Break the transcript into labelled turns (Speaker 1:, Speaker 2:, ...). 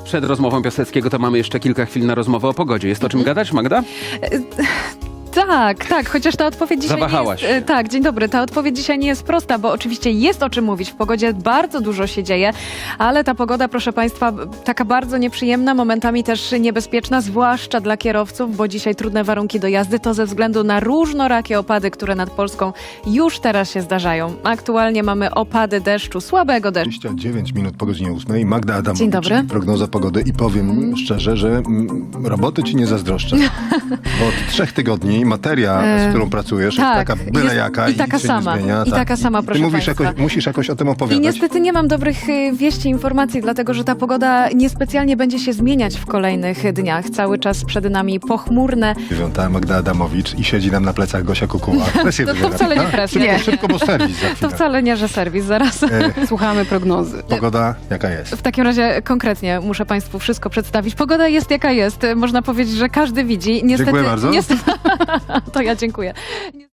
Speaker 1: Przed rozmową Piaseckiego to mamy jeszcze kilka chwil na rozmowę o pogodzie. Jest o czym gadać, Magda?
Speaker 2: Tak, chociaż ta odpowiedź dzisiaj
Speaker 1: Zawahałaś
Speaker 2: nie jest...
Speaker 1: się.
Speaker 2: Tak, dzień dobry. Ta odpowiedź dzisiaj nie jest prosta, bo oczywiście jest o czym mówić. W pogodzie bardzo dużo się dzieje, ale ta pogoda, proszę Państwa, taka bardzo nieprzyjemna, momentami też niebezpieczna, zwłaszcza dla kierowców, bo dzisiaj trudne warunki do jazdy to ze względu na różnorakie opady, które nad Polską już teraz się zdarzają. Aktualnie mamy opady deszczu, słabego deszczu.
Speaker 3: 29 minut po godzinie 8. Magda Adamowicz,
Speaker 2: Dzień dobry.
Speaker 3: czyli prognoza pogody i powiem szczerze, że roboty ci nie zazdroszczę. Bo od 3 tygodni materia, z którą pracujesz,
Speaker 2: tak,
Speaker 3: jest taka byle
Speaker 2: jest-
Speaker 3: jaka
Speaker 2: i taka
Speaker 3: nic się
Speaker 2: sama,
Speaker 3: nie zmienia.
Speaker 2: i taka sama,
Speaker 3: Ty
Speaker 2: proszę
Speaker 3: mówisz
Speaker 2: państwa.
Speaker 3: musisz jakoś o tym
Speaker 2: I
Speaker 3: opowiadać.
Speaker 2: niestety nie mam dobrych wieści, informacji, dlatego że ta pogoda niespecjalnie będzie się zmieniać w kolejnych dniach. Cały czas przed nami pochmurne.
Speaker 3: Dziewiąta Magda Adamowicz i siedzi nam na plecach Gosia Kukuła. Presję
Speaker 2: To
Speaker 3: wywiera,
Speaker 2: wcale nie
Speaker 3: prawda?
Speaker 2: presja.
Speaker 3: Szybko, bo serwis za
Speaker 2: To
Speaker 3: chwilę.
Speaker 2: wcale nie, że serwis, zaraz.
Speaker 4: Słuchamy prognozy.
Speaker 3: Pogoda jaka jest?
Speaker 2: W takim razie konkretnie muszę Państwu wszystko przedstawić. Pogoda jest jaka jest. Można powiedzieć, że każdy widzi. Niestety,
Speaker 3: Dziękuję bardzo.
Speaker 2: Niestety, to ja dziękuję.